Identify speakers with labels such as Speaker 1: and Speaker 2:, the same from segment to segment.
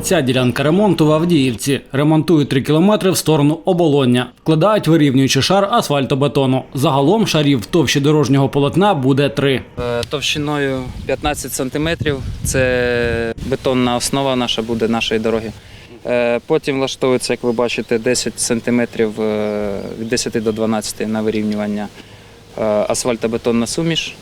Speaker 1: ця ділянка ремонту в Авдіївці. Ремонтують 3 кілометри в сторону Оболоння. Вкладають вирівнюючий шар асфальтобетону. Загалом шарів товщі дорожнього полотна буде 3.
Speaker 2: Товщиною 15 сантиметрів. Це бетонна основа наша буде нашої дороги. Потім влаштовується, як ви бачите, 10 сантиметрів від 10 до 12 на вирівнювання асфальтобетонна суміш.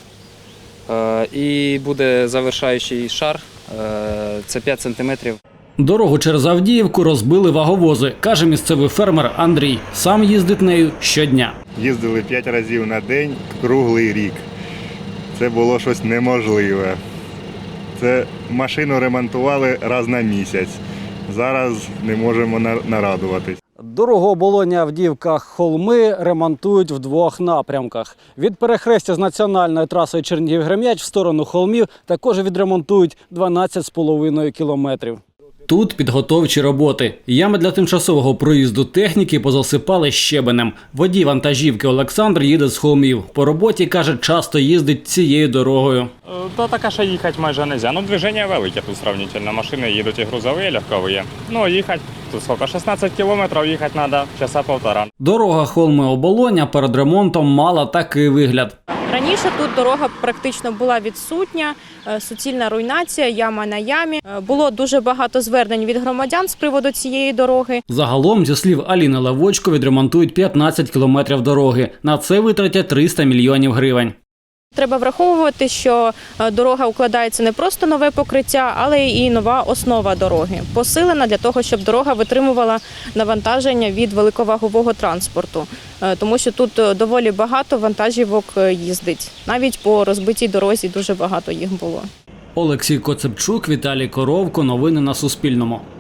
Speaker 2: І буде завершаючий шар, це 5 сантиметрів.
Speaker 1: Дорогу через Авдіївку розбили ваговози, каже місцевий фермер Андрій. Сам їздить нею щодня.
Speaker 3: Їздили 5 разів на день, круглий рік. Це було щось неможливе. Це машину ремонтували раз на місяць. Зараз не можемо нарадуватись.
Speaker 1: Дорогу Оболоння-Авдіївка-Холми ремонтують в 2 напрямках. Від перехрестя з національною трасою Чернігів-Грем'яч в сторону Холмів також відремонтують 12,5 кілометрів. Тут підготовчі роботи. Ями для тимчасового проїзду техніки позасипали щебенем. Водій вантажівки Олександр їде з Холмів. По роботі, каже, часто їздить цією дорогою.
Speaker 4: То така, що їхати майже не можна. Ну, движення велике тут сравнительно. Машини їдуть і грузові, і легкові. Ну, їхати, тут скільки, 16 кілометрів їхати треба, часа півтора.
Speaker 1: Дорога Холми-Оболоння перед ремонтом мала такий вигляд.
Speaker 5: Раніше тут дорога практично була відсутня, суцільна руйнація, яма на ямі. Було дуже багато звернень від громадян з приводу цієї дороги.
Speaker 1: Загалом, зі слів Аліни Левочко, відремонтують 15 кілометрів дороги. На це витратять 300 мільйонів гривень.
Speaker 5: Треба враховувати, що дорога укладається не просто нове покриття, але і нова основа дороги. Посилена для того, щоб дорога витримувала навантаження від великовагового транспорту. Тому що тут доволі багато вантажівок їздить. Навіть по розбитій дорозі дуже багато їх було.
Speaker 1: Олексій Коцепчук, Віталій Коровко. Новини на Суспільному.